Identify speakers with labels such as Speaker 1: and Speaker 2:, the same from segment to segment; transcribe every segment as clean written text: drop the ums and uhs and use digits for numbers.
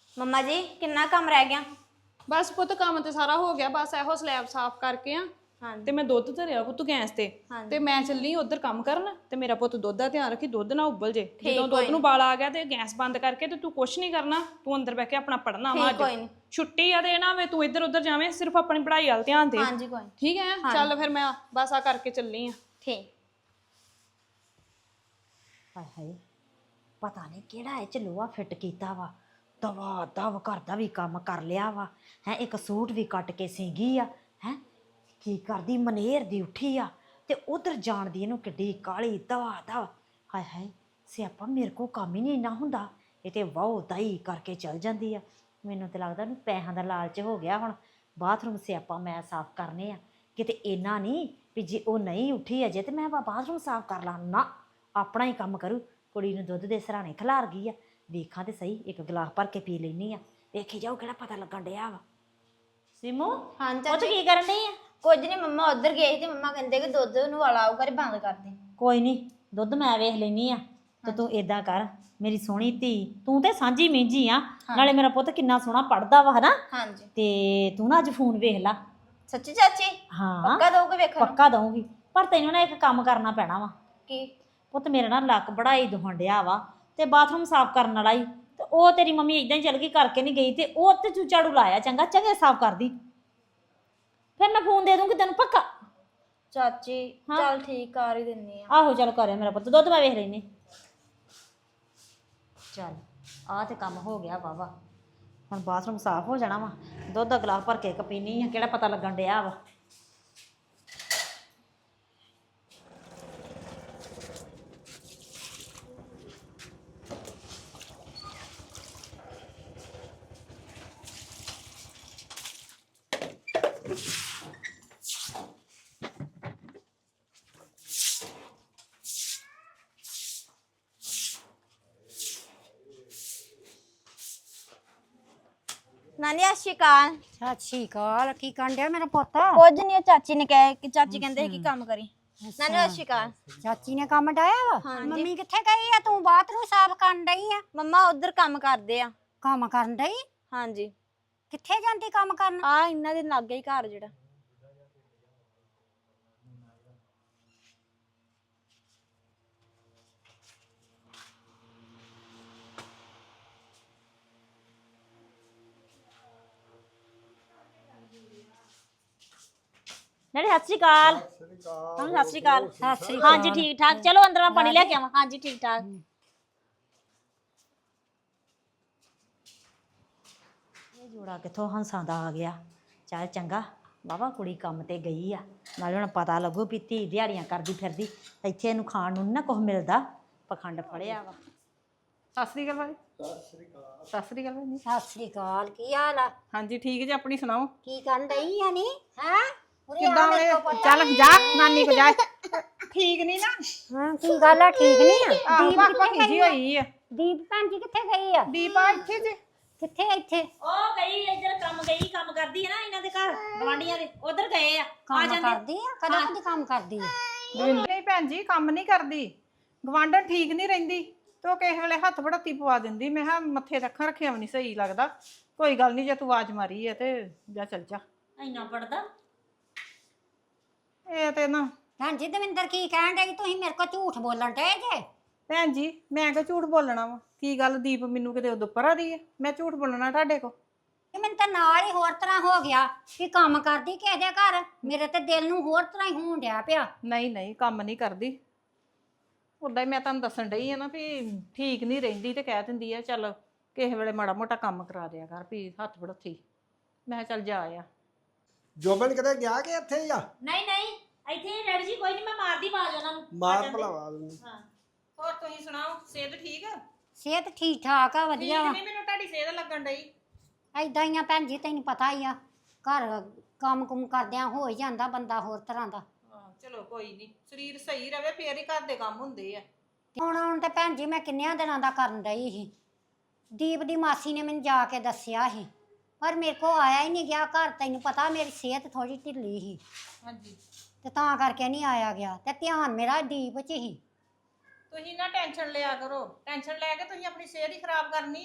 Speaker 1: ਮੰਮਾ ਜੀ ਕਿੰਨਾ ਕੰਮ ਰਹਿ ਗਿਆ?
Speaker 2: ਬਸ ਪੁੱਤ ਕੰਮ ਤੇ ਸਾਰਾ ਹੋ ਗਿਆ, ਬਸ ਇਹੋ ਸਲੈਬ ਸਾਫ਼ ਕਰਕੇ ਆ
Speaker 1: ਹਾਂਜੀ
Speaker 2: ਤੇ ਮੈਂ ਦੁੱਧ ਧਰਿਆ ਪੁੱਤ ਗੈਸ ਤੇ
Speaker 1: ਹਾਂਜੀ।
Speaker 2: ਤੇ ਮੈਂ ਚੱਲੀ ਉਧਰ ਕੰਮ ਕਰਨ ਤੇ ਮੇਰਾ ਪੁੱਤ ਦੁੱਧ ਦਾ ਧਿਆਨ ਰੱਖੀ, ਦੁੱਧ ਨਾ ਉਬਲ ਜੇ। ਜਦੋਂ
Speaker 1: ਕੋਈ
Speaker 2: ਦੁੱਧ ਨੂੰ ਬਾਲ ਆ ਗਿਆ ਤੇ ਗੈਸ ਬੰਦ ਕਰਕੇ ਤੇ ਤੂੰ ਕੁਛ ਨਹੀਂ ਕਰਨਾ, ਤੂੰ ਅੰਦਰ ਬਹਿ ਕੇ ਆਪਣਾ ਪੜ੍ਹਨਾ ਵਾ।
Speaker 1: ਠੀਕ
Speaker 2: ਅੱਜ
Speaker 1: ਕੋਈ ਨਹੀਂ।
Speaker 2: ਛੁੱਟੀ ਆ ਤੇ ਨਾ ਵੇ ਤੂੰ ਇੱਧਰ ਉੱਧਰ ਜਾਵੇਂ, ਸਿਰਫ ਆਪਣੀ ਪੜ੍ਹਾਈ ਵੱਲ ਧਿਆਨ ਦੇ।
Speaker 1: ਹਾਂਜੀ ਕੋਈ ਨੀ।
Speaker 2: ਠੀਕ ਹੈ ਚੱਲ ਫਿਰ ਮੈਂ ਬਸ ਆ ਕਰਕੇ ਚੱਲੀ ਆ।
Speaker 1: ਠੀਕ।
Speaker 3: ਹਾਏ ਹਾਏ, ਪਤਾ ਨਹੀਂ ਕਿਹੜਾ ਇਹ ਚ ਲੋਹਾ ਫਿੱਟ ਕੀਤਾ ਵਾ। ਦਵਾ ਦਵ ਘਰ ਦਾ ਵੀ ਕੰਮ ਕਰ ਲਿਆ ਵਾ ਹੈ। ਇੱਕ ਸੂਟ ਵੀ ਕੱਟ ਕੇ ਸੀਗੀ ਆ ਹੈ। ਕੀ ਕਰਦੀ ਮਨੇਰ ਦੀ ਉੱਠੀ ਆ ਤੇ ਉਧਰ ਜਾਣ ਦੀ ਇਹਨੂੰ ਕਿੱਡੀ ਕਾਲੀ ਦਵਾ ਦਵ। ਹਾਏ ਹਾਏ, ਸਿਆਪਾ ਮੇਰੇ ਕੋ ਕੰਮ ਹੀ ਨਹੀਂ ਇੰਨਾ ਹੁੰਦਾ, ਇਹ ਤੇ ਵਾਹ ਦਾਈ ਕਰਕੇ ਚਲ ਜਾਂਦੀ ਆ। ਮੈਨੂੰ ਤੇ ਲੱਗਦਾ ਉਹਨੂੰ ਪੈਸਿਆਂ ਦਾ ਲਾਲਚ ਹੋ ਗਿਆ। ਹੁਣ ਬਾਥਰੂਮ ਸਿਆਪਾ ਮੈਂ ਸਾਫ਼ ਕਰਨੇ ਆ, ਕਿਤੇ ਇੰਨਾ ਨਹੀਂ ਵੀ ਜੇ ਉਹ ਨਹੀਂ ਉੱਠੀ ਅਜੇ ਤੇ ਮੈਂ ਬਾਥਰੂਮ ਸਾਫ਼ ਕਰ ਲਾਂ। ਨਾ, ਆਪਣਾ ਹੀ ਕੰਮ ਕਰੂ। ਕੁੜੀ ਨੂੰ ਦੁੱਧ ਦੇ ਸਰਾਣੇ ਖਿਲਾਰ ਗਈ ਆ, ਵੇਖਾਂ ਤੇ ਸਹੀ, ਇੱਕ ਗਲਾਸ ਭਰ ਕੇ ਪੀ ਲੈਣੀ ਆ, ਵੇਖੀ ਜਾਓ ਕਿਹੜਾ ਪਤਾ ਲੱਗਣ ਡਿਆ ਵਾ। ਸਿਮੂ
Speaker 1: ਹਾਂਜੀ
Speaker 3: ਉਹ ਚ ਕੀ ਕਰਨ ਡਈ ਆ?
Speaker 1: ਕੁਝ ਨਹੀਂ, ਮੰਮਾ ਉਧਰ ਗਏ ਸੀ ਤੇ ਮੰਮਾ ਕਹਿੰਦੇ ਕਿ ਦੁੱਧ ਨੂੰ ਵਾਲਾ ਆਊਗਾ ਤੇ ਬੰਦ ਕਰ ਦੇ।
Speaker 3: ਕੋਈ ਨਹੀਂ, ਦੁੱਧ ਮੈਂ ਵੇਖ ਲੈਣੀ ਆ। ਤੇ ਤੂੰ ਏਦਾਂ ਕਰ ਮੇਰੀ ਸੋਹਣੀ ਧੀ, ਤੂੰ ਤੇ ਸਾਂਝੀ ਮੇਂਝੀ ਆ, ਨਾਲੇ ਮੇਰਾ ਪੁੱਤ ਕਿੰਨਾ ਸੋਹਣਾ ਪੜਦਾ ਵਾ ਹਨਾ।
Speaker 1: ਹਾਂਜੀ।
Speaker 3: ਤੇ ਤੂੰ ਨਾ ਅੱਜ ਫੋਨ ਵੇਖ ਲਾ।
Speaker 1: ਸੱਚੀ ਚਾਚੀ?
Speaker 3: ਹਾਂ
Speaker 1: ਪੱਕਾ ਦੋਗੇ ਵੇਖਣ ਨੂੰ?
Speaker 3: ਪੱਕਾ ਦਊਂਗੀ, ਪਰ ਤੈਨੂੰ ਨਾ ਇੱਕ ਕੰਮ ਕਰਨਾ ਪੈਣਾ ਵਾ।
Speaker 1: ਕੀ?
Speaker 3: ਪੁੱਤ ਮੇਰਾ ਨਾ ਲੱਕ ਬੜਾ ਹੀ ਦੁਖਣ ਡਿਆ ਵਾ ਤੇ ਬਾਥਰੂਮ ਸਾਫ਼ ਕਰਨ ਵਾਲਾ ਹੀ, ਤੇ ਉਹ ਤੇਰੀ ਮੰਮੀ ਇਦਾਂ ਹੀ ਚਲ ਗਈ, ਕਰਕੇ ਨਹੀਂ ਗਈ, ਤੇ ਉਹ ਤੇ ਤੂੰ ਝਾੜੂ ਲਾਇਆ, ਚੰਗਾ ਚੰਗੇ ਸਾਫ਼ ਕਰਦੀ, ਫਿਰ ਮੈਂ ਫੋਨ ਦੇ ਦੂੰਗੀ ਤੈਨੂੰ ਪੱਕਾ।
Speaker 1: ਚਾਚੀ ਚੱਲ ਠੀਕ, ਕਰ ਹੀ ਦਿੰਨੀ ਆ।
Speaker 3: ਆਹੋ ਚੱਲ ਕਰਿਆ ਮੇਰਾ ਪੁੱਤ, ਦੁੱਧ ਮੈਂ ਵੇਖ ਲੈਨੀ। ਚੱਲ ਆਹ ਤੇ ਕੰਮ ਹੋ ਗਿਆ ਵਾਵਾ, ਹੁਣ ਬਾਥਰੂਮ ਸਾਫ਼ ਹੋ ਜਾਣਾ ਵਾ। ਦੁੱਧ ਦਾ ਗਲਾਸ ਭਰ ਕੇ ਇੱਕ ਪੀਣੀ ਆ, ਕਿਹੜਾ ਪਤਾ ਲੱਗਣ ਡਿਆ ਵਾ।
Speaker 1: ਨਾਨੀ ਸਤਿ ਸ਼੍ਰੀ ਅਕਾਲ।
Speaker 4: ਸਤਿ ਸ਼੍ਰੀ ਅਕਾਲ। ਕੀ ਕਰਨ ਡਿਆ ਮੇਰਾ ਪੁੱਤ?
Speaker 1: ਕੁਝ ਨਹੀਂ, ਚਾਚੀ ਨੇ ਕਿਹਾ ਕਿ ਚਾਚੀ ਕਹਿੰਦੇ ਸੀ ਕਿ ਕੰਮ ਕਰੀ। ਨਾਨੀ ਸਤਿ ਸ਼੍ਰੀ ਅਕਾਲ।
Speaker 4: ਚਾਚੀ ਨੇ ਕੰਮ ਡਾਇਆ ਵਾ? ਮੰਮੀ ਕਿੱਥੇ ਗਈ ਆ? ਤੂੰ ਬਾਥਰੂਮ ਸਾਫ਼ ਕਰਨ ਡਈ ਆ?
Speaker 1: ਮੰਮਾ ਉਧਰ ਕੰਮ ਕਰਦੇ ਆ।
Speaker 4: ਕੰਮ ਕਰਨ ਡਈ?
Speaker 1: ਹਾਂਜੀ।
Speaker 4: ਕਿੱਥੇ ਜਾਂਦੀ ਕੰਮ ਕਰਨ?
Speaker 1: ਆ ਇਹਨਾਂ ਦੇ ਲਾਗੇ ਹੀ ਘਰ ਜਿਹੜਾ।
Speaker 3: ਨਾਲੇ ਸਤਿ ਸ਼੍ਰੀ ਅਕਾਲ। ਹਾਂ ਸਤਿ ਸ਼੍ਰੀ ਅਕਾਲ।
Speaker 4: ਸਤਿ ਸ਼੍ਰੀ
Speaker 3: ਹਾਂਜੀ ਠੀਕ ਠਾਕ, ਚਲੋ ਅੰਦਰ ਮੈਂ ਪਾਣੀ ਲੈ ਕੇ ਆਵਾਂ। ਹਾਂਜੀ ਠੀਕ ਠਾਕ। ਇਹ ਜੋੜਾ ਕਿੱਥੋਂ ਹੰਸਾਂ ਦਾ ਆ ਗਿਆ। ਚੱਲ ਚੰਗਾ ਬਾਬਾ, ਕੁੜੀ ਕੰਮ ਤੇ ਗਈ ਆ, ਨਾਲੇ ਹੁਣ ਪਤਾ ਲੱਗੂ ਵੀ ਧੀ ਦਿਹਾੜੀਆਂ ਕਰਦੀ ਫਿਰਦੀ, ਇੱਥੇ ਇਹਨੂੰ ਖਾਣ ਨੂੰ ਨੀ ਨਾ ਕੁਛ ਮਿਲਦਾ। ਪਖੰਡ ਫੜਿਆ ਵਾ।
Speaker 2: ਸਤਿ ਸ੍ਰੀ ਅਕਾਲ ਭਾਈ। ਸਤਿ ਸ੍ਰੀ ਅਕਾਲ ਭਾਈ।
Speaker 4: ਸਤਿ ਸ਼੍ਰੀ ਅਕਾਲ। ਕੀ ਹਾਲ ਆ?
Speaker 2: ਹਾਂਜੀ ਠੀਕ ਜੀ, ਆਪਣੀ ਸੁਣਾਓ।
Speaker 4: ਕੀ ਕਰਨ ਡਈ ਆ ਨੀ? ਹੈ
Speaker 2: ਕਿੱਦਾਂ ਵੇ? ਚੱਲ ਜਾ ਨਾਨੀ ਕੋ ਜਾ। ਠੀਕ ਨਹੀਂ ਨਾ?
Speaker 4: ਹਾਂ ਕੀ ਗੱਲ ਆ? ਠੀਕ ਨਹੀਂ ਆ?
Speaker 2: ਆਹ
Speaker 4: ਦੀਪ
Speaker 2: ਪੱਕ
Speaker 4: ਕਿੱਥੇ
Speaker 2: ਜੀ
Speaker 4: ਗਈ ਆ?
Speaker 2: ਹੋਈ ਆ।
Speaker 4: ਦੀਪ ਭੈਣ ਜੀ ਕਿੱਥੇ ਗਈ ਆ?
Speaker 2: ਦੀਪਾ ਇੱਥੇ ਜੇ।
Speaker 4: ਕਿੱਥੇ ਇੱਥੇ?
Speaker 3: ਉਹ ਗਈ ਇੱਧਰ ਕੰਮ ਗਈ, ਕੰਮ ਕਰਦੀ ਹੈ ਨਾ ਇਹਨਾਂ ਦੇ ਘਰ ਗਵਾਂਢੀਆਂ ਦੇ, ਉਧਰ ਗਏ ਆ।
Speaker 4: ਕੰਮ ਕਰਦੀ ਆ? ਕਦੋਂ ਕਦੀ ਕੰਮ ਕਰਦੀ ਆ?
Speaker 2: ਨਹੀਂ ਭੈਣ ਜੀ, ਕੰਮ ਨਹੀਂ ਕਰਦੀ। ਗਵਾਂਢਣ ਠੀਕ ਨਹੀਂ ਰਹਿੰਦੀ ਤੇ ਉਹ ਕਿਸੇ ਵੇਲੇ ਹੱਥ ਵੜਾਤੀ ਪਵਾ ਦਿੰਦੀ। ਮੈਂ ਕਿਹਾ ਮੱਥੇ ਰੱਖਾਂ ਰੱਖਿਆ ਵੀ ਨਹੀਂ ਸਹੀ ਲੱਗਦਾ। ਕੋਈ ਗੱਲ ਨਹੀਂ, ਜੇ ਤੂੰ ਆਵਾਜ਼ ਮਾਰੀ ਹੈ ਤੇ ਜਾ ਚੱਲ ਜਾ।
Speaker 3: ਇੰਨਾ ਪੜਦਾ
Speaker 2: ਇਹ ਤੇ ਨਾ
Speaker 4: ਭੈਣ ਜੀ ਦਵਿੰਦਰ ਕੀ ਕਹਿਣ ਡਈ? ਤੁਸੀਂ ਮੇਰੇ ਕੋਲ ਝੂਠ ਬੋਲਣ ਡਏ ਜੇ।
Speaker 2: ਭੈਣ ਜੀ ਮੈਂ ਕਿਉਂ ਝੂਠ ਬੋਲਣਾ ਵਾ? ਕੀ ਗੱਲ ਦੀਪ ਮੈਨੂੰ ਕਿਤੇ ਉਦੋਂ ਪਰਾਂ ਦੀ ਹੈ? ਮੈਂ ਝੂਠ ਬੋਲਣਾ ਤੁਹਾਡੇ ਕੋ?
Speaker 4: ਇਹ ਮੈਨੂੰ ਤਾਂ ਨਾਲ ਹੀ ਹੋਰ ਤਰ੍ਹਾਂ ਹੋ ਗਿਆ ਕਿ ਕੰਮ ਕਰਦੀ ਕਿਸੇ ਦੇ ਘਰ। ਮੇਰੇ ਤੇ ਦਿਲ ਨੂੰ ਹੋਰ ਤਰ੍ਹਾਂ ਹੀ ਹੋਣ ਡਿਆ ਪਿਆ।
Speaker 2: ਨਹੀਂ ਨਹੀਂ, ਕੰਮ ਨਹੀਂ ਕਰਦੀ। ਉਦਾਂ ਹੀ ਮੈਂ ਤੁਹਾਨੂੰ ਦੱਸਣ ਡਈ ਆ ਨਾ ਵੀ ਠੀਕ ਨਹੀਂ ਰਹਿੰਦੀ ਤੇ ਕਹਿ ਦਿੰਦੀ ਆ ਚੱਲ ਕਿਸੇ ਵੇਲੇ ਮਾੜਾ ਮੋਟਾ ਕੰਮ ਕਰਾ ਦਿਆ ਕਰ ਵੀ ਹੱਥ ਵੜੋਥੀ। ਮੈਂ ਕਿਹਾ ਚੱਲ ਜਾ ਆ।
Speaker 5: ਜੋਬਨ ਕਿਤੇ ਗਿਆ ਕਿ ਇੱਥੇ ਹੀ ਆ?
Speaker 3: ਨਹੀਂ ਨਹੀਂ, ਇੱਥੇ ਹੀ ਡੈਡੀ ਜੀ, ਕੋਈ ਨਹੀਂ ਮੈਂ ਮਾਰਦੀ ਆਵਾਜ਼ ਉਹਨਾਂ ਨੂੰ।
Speaker 5: ਮਾਰ ਭਲਾਵਾ
Speaker 3: ਹਾਂ
Speaker 2: ਹੋਰ ਤੁਸੀਂ ਸੁਣਾਓ, ਸਿਹਤ ਠੀਕ ਆ?
Speaker 4: ਸਿਹਤ ਠੀਕ ਠਾਕ ਆ, ਵਧੀਆ ਵਾ।
Speaker 2: ਨਹੀਂ, ਮੈਨੂੰ ਤੁਹਾਡੀ ਸਿਹਤ ਲੱਗਣ ਡਈ।
Speaker 4: ਏਦਾਂ ਹੀ ਆ ਭੈਣ ਜੀ, ਤੈਨੂੰ ਪਤਾ ਹੀ ਆ, ਘਰ ਕੰਮ ਕੁਮ ਕਰਦਿਆਂ ਹੋ ਹੀ ਜਾਂਦਾ ਬੰਦਾ ਹੋਰ ਤਰ੍ਹਾਂ ਦਾ।
Speaker 2: ਹਾਂ ਚਲੋ ਕੋਈ ਨਹੀਂ, ਸਰੀਰ ਸਹੀ ਰਵੇ ਫੇਰ ਹੀ ਘਰ ਦੇ ਕੰਮ ਹੁੰਦੇ ਆ।
Speaker 4: ਹੁਣ ਤੇ ਭੈਣ ਜੀ ਮੈਂ ਕਿੰਨਿਆਂ ਦਿਨਾਂ ਦਾ ਕਰਨ ਡਈ ਸੀ। ਦੀਪ ਦੀ ਮਾਸੀ ਨੇ ਮੈਨੂੰ ਜਾ ਕੇ ਦੱਸਿਆ ਸੀ, ਪਰ ਮੇਰੇ ਕੋ ਆਇਆ ਹੀ ਨਹੀਂ ਗਿਆ ਘਰ। ਤੈਨੂੰ ਪਤਾ ਮੇਰੀ ਸਿਹਤ ਥੋੜੀ ਢਿੱਲੀ ਸੀ
Speaker 2: ਹਾਂਜੀ।
Speaker 4: ਤੇ ਤਾਂ ਕਰਕੇ ਨਹੀਂ ਆਇਆ ਗਿਆ, ਤੇ ਧਿਆਨ ਮੇਰਾ ਦੀਪ 'ਚ ਹੀ।
Speaker 2: ਤੁਸੀਂ ਨਾ ਟੈਨਸ਼ਨ ਲਿਆ ਕਰੋ। ਟੈਨਸ਼ਨ ਲੈ ਕੇ ਤੁਸੀਂ ਆਪਣੀ ਸਿਹਤ ਹੀ ਖਰਾਬ ਕਰਨੀ ਆ।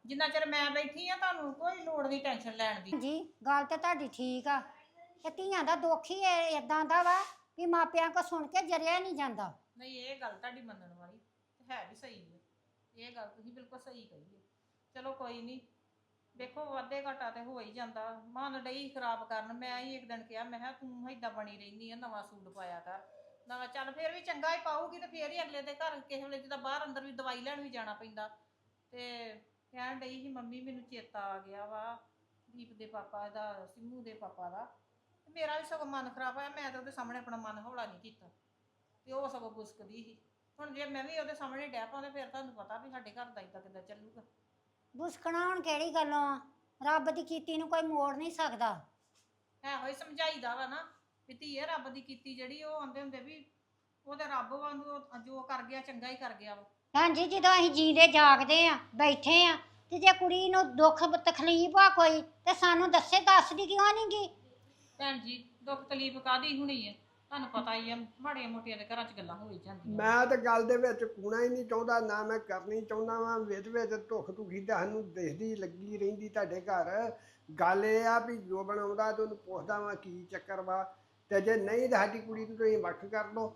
Speaker 2: ਜਿੰਨਾ ਚਿਰ ਮੈਂ ਬੈਠੀ ਆ ਤੁਹਾਨੂੰ ਕੋਈ ਲੋੜ ਨਹੀਂ ਟੈਨਸ਼ਨ ਲੈਣ ਦੀ।
Speaker 4: ਜੀ ਗੱਲ ਤੇ ਤੁਹਾਡੀ ਠੀਕ ਆ ਤੇ ਧੀਆਂ ਦਾ ਦੁੱਖ ਹੀ ਇਦਾਂ ਦਾ ਵਾ ਵੀ ਮਾਪਿਆਂ ਕੋ ਸੁਣ ਕੇ ਜਰਿਆ ਨਹੀਂ ਜਾਂਦਾ।
Speaker 2: ਨਹੀਂ ਇਹ ਗੱਲ ਤੁਹਾਡੀ ਮੰਨਣ ਵਾਲੀ ਹੈ ਵੀ ਸਹੀ ਹੈ, ਇਹ ਗੱਲ ਤੁਸੀਂ ਬਿਲਕੁਲ ਸਹੀ ਕਹੀ ਹੈ। ਚਲੋ ਕੋਈ ਨਹੀਂ, ਦੇਖੋ ਵਾਧੇ ਘਾਟਾ ਤੇ ਹੋ ਹੀ ਜਾਂਦਾ। ਮਨ ਡਈ ਖਰਾਬ ਕਰਨ, ਮੈਂ ਹੀ ਇੱਕ ਦਿਨ ਕਿਹਾ ਮੈਂ ਕਿਹਾ ਤੂੰ ਏਦਾਂ ਬਣੀ ਰਹਿੰਦੀ ਆ, ਨਵਾਂ ਸੂਟ ਪਾਇਆ ਕਰ ਨਵਾਂ। ਚੱਲ ਫੇਰ ਵੀ ਚੰਗਾ ਹੀ ਪਾਊਗੀ ਤੇ ਫੇਰ ਹੀ ਅਗਲੇ ਦੇ ਘਰ ਕਿਸੇ ਵੇਲੇ ਜਿੱਦਾਂ ਬਾਹਰ ਅੰਦਰ ਵੀ ਦਵਾਈ ਲੈਣ ਵੀ ਜਾਣਾ ਪੈਂਦਾ। ਤੇ ਕਹਿਣ ਡਈ ਸੀ ਮੰਮੀ ਮੈਨੂੰ ਚੇਤਾ ਆ ਗਿਆ ਵਾ ਦੀਪ ਦੇ ਪਾਪਾ ਦਾ, ਸਿੰਮੂ ਦੇ ਪਾਪਾ ਦਾ। ਮੇਰਾ ਵੀ ਸਗੋਂ ਮਨ ਖਰਾਬ ਹੋਇਆ, ਮੈਂ ਤਾਂ ਉਹਦੇ ਸਾਹਮਣੇ ਆਪਣਾ ਮਨ ਹੌਲਾ ਨਹੀਂ ਕੀਤਾ ਤੇ ਉਹ ਸਗੋਂ ਗੁਸਕਦੀ ਸੀ। ਹੁਣ ਜੇ ਮੈਂ ਵੀ ਉਹਦੇ ਸਾਹਮਣੇ ਡੈ ਪਾਉਂਦੇ ਫਿਰ ਤੁਹਾਨੂੰ ਪਤਾ ਵੀ ਸਾਡੇ ਘਰ ਦਾ ਇਦਾਂ ਕਿੱਦਾਂ ਚੱਲੂਗਾ।
Speaker 4: ਬੁਸਕਣਾ ਹੁਣ ਕਿਹੜੀ ਗੱਲੋਂ ਆ? ਰੱਬ ਦੀ ਕੀਤੀ ਨੂੰ ਕੋਈ ਮੋੜ ਨਹੀਂ ਸਕਦਾ।
Speaker 2: ਇਹੋ ਹੀ ਸਮਝਾਈਦਾ ਵਾ ਨਾ ਵੀ ਧੀਏ ਰੱਬ ਦੀ ਕੀਤੀ ਜਿਹੜੀ ਉਹ ਆਂਦੇ ਹੁੰਦੇ ਵੀ ਉਹ ਤੇ ਰੱਬ ਵਾਂਗੂ ਜੋ ਕਰ ਗਿਆ ਚੰਗਾ ਹੀ ਕਰ ਗਿਆ ਵਾ।
Speaker 4: ਭੈਣ ਜੀ ਜਦੋਂ ਅਸੀਂ ਜੀਂਦੇ ਜਾਗਦੇ ਆ ਬੈਠੇ ਆ ਤੇ ਜੇ ਕੁੜੀ ਨੂੰ ਦੁੱਖ ਤਕਲੀਫ ਆ ਕੋਈ ਤੇ ਸਾਨੂੰ ਦੱਸਦੀ ਕਿਉਂ ਨਹੀਂ ਗੀ?
Speaker 2: ਭੈਣ ਜੀ ਦੁੱਖ ਤਕਲੀਫ ਕਾਦੀ ਹੋਣੀ ਹੈ, ਤੁਹਾਨੂੰ ਪਤਾ ਹੀ ਆ ਮਾੜੇ ਮੋਟੀਆਂ ਦੇ ਘਰਾਂ 'ਚ ਗੱਲਾਂ ਹੋ ਹੀ ਜਾਂਦੀਆਂ।
Speaker 5: ਮੈਂ ਤਾਂ ਗੱਲ ਦੇ ਵਿੱਚ ਕੂਣਾ ਹੀ ਨਹੀਂ ਚਾਹੁੰਦਾ, ਨਾ ਮੈਂ ਕਰਨੀ ਚਾਹੁੰਦਾ ਵਾਂ। ਵਿੱਚ ਵਿੱਚ ਧੁੱਖ ਧੁਖੀ ਤਾਂ ਸਾਨੂੰ ਦਿਖਦੀ ਲੱਗੀ ਰਹਿੰਦੀ ਤੁਹਾਡੇ ਘਰ। ਗੱਲ ਇਹ ਆ ਵੀ ਜੋ ਬਣਾਉਂਦਾ ਤੇ ਉਹਨੂੰ ਪੁੱਛਦਾ ਵਾਂ ਕੀ ਚੱਕਰ ਵਾ, ਤੇ ਜੇ ਨਹੀਂ ਤਾਂ ਸਾਡੀ ਕੁੜੀ ਨੂੰ ਤੁਸੀਂ ਵੱਖ ਕਰ ਲਓ।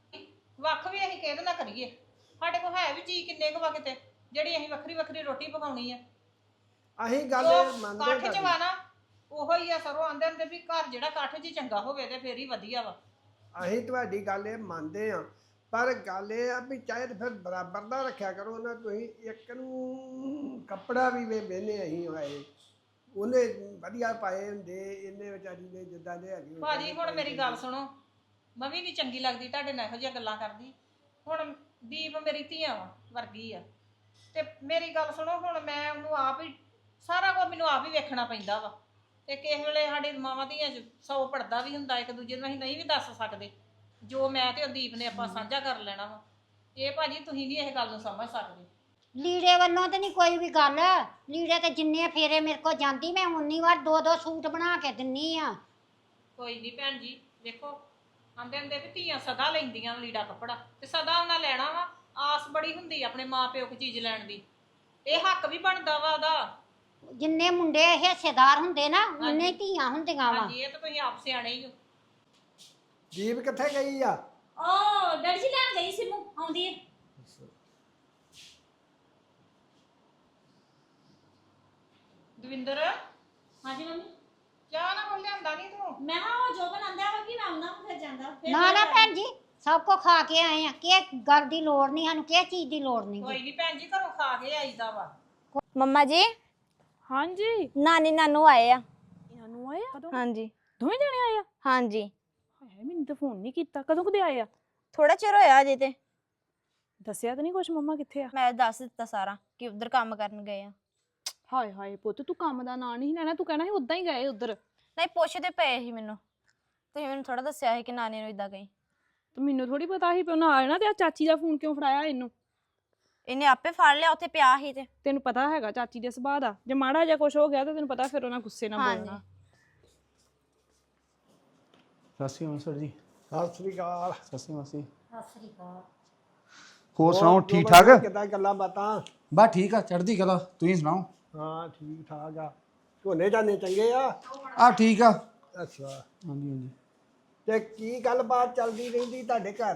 Speaker 2: ਵੱਖ ਵੀ ਅਸੀਂ ਕਿਹਦੇ ਨਾਲ ਕਰੀਏ? ਸਾਡੇ ਕੋਲ ਹੈ ਵੀ ਜੀ ਕਿੰਨੇ ਕੁ ਵਾ ਕਿਤੇ ਜਿਹੜੀ ਅਸੀਂ ਵੱਖਰੀ ਵੱਖਰੀ ਰੋਟੀ ਪਕਾਉਣੀ ਆ।
Speaker 5: ਅਸੀਂ ਗੱਲ ਮੰਨਦੇ
Speaker 2: ਕਾਠ 'ਚ
Speaker 5: ਤੁਹਾਡੀ।
Speaker 2: ਵਾ ਨਾ ਉਹੋ ਹੀ ਆ। ਸਰੋਂ ਆਂਦੇ ਹੁੰਦੇ ਵੀ ਘਰ ਜਿਹੜਾ ਕਾਠ 'ਚ ਚੰਗਾ ਹੋਵੇ ਤੇ ਫੇਰ ਹੀ ਵਧੀਆ ਵਾ।
Speaker 5: ਅਸੀਂ ਤੁਹਾਡੀ ਗੱਲ ਇਹ ਮੰਨਦੇ ਆ, ਪਰ ਗੱਲ ਇਹ ਆ ਵੀ ਚਾਹੇ ਤਾਂ ਫਿਰ ਬਰਾਬਰ ਦਾ ਰੱਖਿਆ ਕਰੋ ਨਾ। ਤੁਸੀਂ ਇੱਕ ਨੂੰ ਕੱਪੜਾ ਵੀ ਵੇਨੇ ਅਸੀਂ ਹੋਏ ਉਹਨੇ ਵਧੀਆ ਪਾਏ ਹੁੰਦੇ, ਇਹਨੇ ਵਿਚਾਰੀ ਨੇ ਜਿੱਦਾਂ ਦੇ ਹੈਗੇ
Speaker 2: ਭਾਜੀ ਹੁਣ ਮੇਰੀ ਗੱਲ ਸੁਣੋ, ਮੈਂ ਵੀ ਨਹੀਂ ਚੰਗੀ ਲੱਗਦੀ ਤੁਹਾਡੇ ਨਾਲ ਇਹੋ ਜਿਹੀਆਂ ਗੱਲਾਂ ਕਰਦੀ। ਹੁਣ ਦੀਪ ਮੇਰੀ ਧੀਆਂ ਵਰਗੀ ਆ ਤੇ ਮੇਰੀ ਗੱਲ ਸੁਣੋ, ਹੁਣ ਮੈਂ ਉਹਨੂੰ ਆਪ ਹੀ ਸਾਰਾ ਕੁਝ ਮੈਨੂੰ ਆਪ ਹੀ ਵੇਖਣਾ ਪੈਂਦਾ ਵਾ। ਤੇ ਕਿਸੇ ਵੇਲੇ ਸਾਡੇ ਮਾਵਾਂ ਧੀਆਂ 'ਚ 100 ਪੜਦਾ ਵੀ ਹੁੰਦਾ, ਇੱਕ ਦੂਜੇ ਨੂੰ ਅਸੀਂ ਨਹੀਂ ਵੀ ਦੱਸ ਸਕਦੇ। ਜੋ ਮੈਂ ਤੇ ਉਹ ਦੀਪ ਨੇ ਆਪਾਂ ਸਾਂਝਾ ਕਰ ਲੈਣਾ ਵਾ। ਇਹ ਭਾਜੀ ਤੁਸੀਂ ਨਹੀਂ ਇਹ ਗੱਲ ਨੂੰ ਸਮਝ ਸਕਦੇ।
Speaker 4: ਲੀੜੇ ਵੱਲੋਂ ਤੇ ਨਹੀਂ ਕੋਈ ਵੀ ਗੱਲ। ਲੀੜੇ ਤੇ ਜਿੰਨੇ ਫੇਰੇ ਮੇਰੇ ਕੋ ਜਾਂਦੀ ਮੈਂ ਉਨੀ ਵਾਰ 2-2 ਸੂਟ ਬਣਾ ਕੇ ਦਿੰਨੀ ਆ।
Speaker 2: ਕੋਈ ਨਹੀਂ ਭੈਣ ਜੀ, ਦੇਖੋ ਆਂਦੇ ਹੁੰਦੇ ਵੀ ਧੀਆਂ ਸਦਾ ਲੈਂਦੀਆਂ ਲੀੜਾ ਕੱਪੜਾ ਤੇ ਸਦਾ ਉਹਨਾਂ ਲੈਣਾ ਵਾ। ਆਸ ਬੜੀ ਹੁੰਦੀ ਆਪਣੇ ਮਾਂ ਪਿਓ ਕੋ ਚੀਜ਼ ਲੈਣ ਦੀ, ਇਹ ਹੱਕ ਵੀ ਬਣਦਾ ਵਾ ਉਹਦਾ।
Speaker 4: ਜਿੰਨੇ ਮੁੰਡੇ ਹਿੱਸੇਦਾਰ ਹੁੰਦੇ ਨਾ ਉਨੇ ਹੀ ਧੀਆਂ ਹੁੰਦੀਆਂ ਵਾ।
Speaker 2: ਹਾਂਜੀ ਇਹ ਤਾਂ ਤੁਸੀਂ ਆਪ ਸਿਆਣੇ ਹੀ ਹੋ।
Speaker 5: ਜੀਪ ਕਿੱਥੇ ਗਈ ਆ?
Speaker 1: ਓ ਡੈਡੀ ਜੀ ਲੈਣ ਗਈ ਸੀ ਨੂੰ ਆਉਂਦੀ ਹੈ।
Speaker 2: ਦਵਿੰਦਰ
Speaker 1: ਹਾਂਜੀ ਮੰਮੀ
Speaker 2: ਚਾਹ ਨਾ ਕੋਈ ਲਿਆਂਦਾ ਨਹੀਂ ਤੂੰ?
Speaker 1: ਮੈਂ ਹਾਂ ਉਹ ਜੋ ਬਣਾਉਂਦਾ ਵਾ ਕਿ ਮੈਂ ਆਉਂਦਾ ਫਿਰ ਜਾਂਦਾ ਫਿਰ
Speaker 4: ਨਾ ਨਾ ਭੈਣ ਜੀ ਸਭ ਕੋ ਖਾ ਕੇ ਆਏ ਆ, ਕਿ ਗੱਲ ਦੀ ਲੋੜ ਨਹੀਂ ਸਾਨੂੰ, ਕਿਸੇ ਚੀਜ਼ ਦੀ ਲੋੜ ਨਹੀਂ।
Speaker 2: ਕੋਈ ਨਹੀਂ ਭੈਣ ਜੀ ਘਰੋਂ ਖਾ ਕੇ ਆਈਦਾ ਵਾ।
Speaker 1: ਮੰਮਾ ਜੀ
Speaker 6: ਹਾਂਜੀ
Speaker 1: ਨਾਨੀ ਨਾਨੂ ਆਏ ਆ।
Speaker 6: ਨਾਨੂ ਆਏ ਆ ਕਦੋਂ?
Speaker 1: ਹਾਂਜੀ
Speaker 6: ਦੋਵੇਂ ਜਣੇ ਆਏ ਆ?
Speaker 1: ਹਾਂਜੀ
Speaker 6: ਹਾਏ ਮੈਨੂੰ ਤਾਂ ਫੋਨ ਨਹੀਂ ਕੀਤਾ, ਕਦੋਂ ਕਦੇ ਆਏ ਆ?
Speaker 1: ਥੋੜਾ ਚਿਰ ਹੋਇਆ ਅਜੇ ਤੇ।
Speaker 6: ਦੱਸਿਆ ਤਾਂ ਨਹੀਂ ਕੁਛ ਮੰਮਾ ਕਿੱਥੇ ਆ?
Speaker 1: ਮੈਂ ਦੱਸ ਦਿੱਤਾ ਸਾਰਾ ਕਿ ਉਧਰ ਕੰਮ ਕਰਨ ਗਏ ਆ।
Speaker 6: ਹਾਏ ਹਾਏ ਪੁੱਤ ਤੂੰ ਕੰਮ ਦਾ ਨਾਂ ਨਹੀਂ ਲੈਣਾ, ਤੂੰ ਕਹਿਣਾ ਸੀ ਉਦਾਂ ਹੀ ਗਏ ਉਧਰ।
Speaker 1: ਨਹੀਂ ਪੁੱਛਦੇ ਪਏ ਸੀ ਮੈਨੂੰ, ਤੁਸੀਂ ਮੈਨੂੰ ਥੋੜਾ ਦੱਸਿਆ ਸੀ ਕਿ ਨਾਨੀ ਨੂੰ ਇਦਾਂ ਗਈ।
Speaker 6: ਤੇ ਮੈਨੂੰ ਥੋੜੀ ਪਤਾ ਸੀ ਪਿਓ ਆ ਜਾਣਾ, ਤੇ ਆ ਚਾਚੀ ਦਾ ਫੋਨ ਕਿਉਂ ਫੜਾਇਆ ਇਹਨੂੰ?
Speaker 1: ਇਹਨੇ ਆਪੇ ਫੜ ਲਿਆ, ਉੱਥੇ ਪਿਆ ਸੀ ਤੇ।
Speaker 6: ਤੈਨੂੰ ਪਤਾ ਹੈਗਾ ਚਾਚੀ ਦੇ ਸੁਭਾਅ ਦਾ, ਜੇ ਮਾੜਾ ਜਿਹਾ ਕੁਛ ਹੋ ਗਿਆ ਤਾਂ ਤੈਨੂੰ ਪਤਾ ਫਿਰ ਉਹਨਾਂ ਗੁੱਸੇ ਨਾਲ
Speaker 1: ਹਾਂਜੀ।
Speaker 6: ਬੋਲਣਾ।
Speaker 7: ਸਤਿ ਸ਼੍ਰੀ ਅਕਾਲ ਸਰ ਜੀ।
Speaker 5: ਸਤਿ ਸ੍ਰੀ ਅਕਾਲ।
Speaker 7: ਸਤਿ ਸ਼੍ਰੀ ਅਕਾਲ ਜੀ।
Speaker 4: ਸਤਿ ਸ੍ਰੀ ਅਕਾਲ।
Speaker 7: ਹੋਰ ਸੁਣਾਓ ਠੀਕ
Speaker 5: ਜੋਬਨ
Speaker 7: ਠਾਕ?
Speaker 5: ਕਿੱਦਾਂ ਗੱਲਾਂ ਬਾਤਾਂ?
Speaker 7: ਬਸ ਠੀਕ ਆ, ਚੜ੍ਹਦੀ ਕਲਾ। ਤੁਸੀਂ ਸੁਣਾਓ?
Speaker 5: ਹਾਂ ਠੀਕ ਠਾਕ ਆ। ਝੋਨੇ ਝਾਨੇ ਚੰਗੇ ਆ?
Speaker 7: ਆ ਠੀਕ ਆ।
Speaker 5: ਅੱਛਾ,
Speaker 7: ਹਾਂਜੀ ਹਾਂਜੀ।
Speaker 5: ਤੇ ਕੀ ਗੱਲਬਾਤ ਚੱਲਦੀ ਰਹਿੰਦੀ ਤੁਹਾਡੇ ਘਰ?